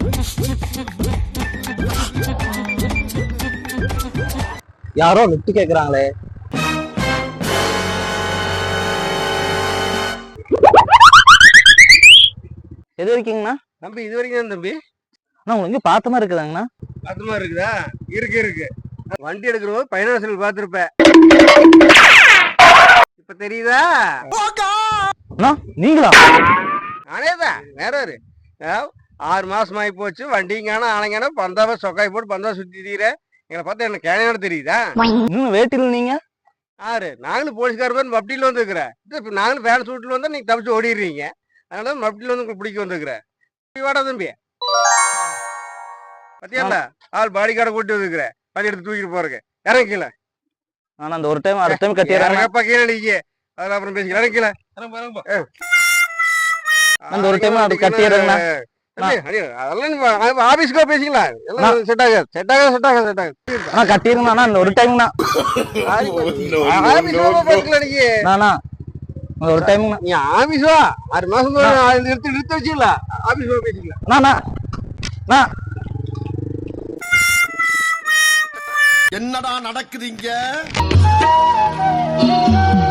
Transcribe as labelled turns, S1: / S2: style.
S1: யாரோ லிஃப்ட் கேக்குறாங்களே. எது வரைக்குங்கண்ணா?
S2: தம்பி இது வரைக்கும் தான் தம்பி.
S1: அண்ணா உங்களுக்கு பார்த்த மாதிரி இருக்குதாங்கண்ணா?
S2: பார்த்த மாதிரி இருக்குதா? இருக்கு. வண்டி எடுக்கிறோம் பைனான்சியல் பார்த்துருப்பேன். இப்ப தெரியுதா?
S1: அண்ணா நீங்களா?
S2: நானேதான். வேற ஒரு 6 மாசம் ஆகி போச்சு. வண்டிங்கான ஆனங்கான பந்தாவை சொக்காய் போட்டு பந்தா சுத்தி தீர எங்களை பார்த்தா என்ன கேனையோட தெரியுதா?
S1: இன்னும் வேட்டில் நீங்க?
S2: நாங்களும் போலீஸ்காரர் மப்டியில் வந்துருக்குறேன். நாங்களும் ஃபேன் சூட்டில் வந்தா நீங்க தப்பிச்சு ஓடிடுறீங்க. அதனால மப்டியில் வந்து உங்களுக்கு பிடிக்க வந்துருக்குறேன். வாடா தம்பி. பத்தியா ஆள் பாடி கார்டை கூட்டி வந்துருக்குறேன். வண்டி எடுத்து தூக்கிட்டு போறதுக்கு இறங்கிக்கல.
S1: ஆனா அந்த ஒரு டைம் அடுத்த டைம் கட்டிடுறேன்.
S2: கீழே அடிக்க அதெல்லாம் அப்புறம் பேசிக்கலாம். இறங்கிக்கல.
S1: அந்த ஒரு டைம் அது கட்டிடுறேங்கண்ணா.
S2: அதெல்லாம் ஆபீஸ்க்கோ பேசிக்கலாம். எல்லாம் செட் ஆகாது.
S1: கட்டிருங்கண்ணா அந்த ஒரு டைம்ண்ணா. ஒரு டைம்
S2: நீ ஆபீஸ் வா. 6 மாசம் நிறுத்தி வச்சுக்கலாம். ஆபீஸ் வா பேசிக்கலாம்.
S3: என்னடா நடக்குது இங்க?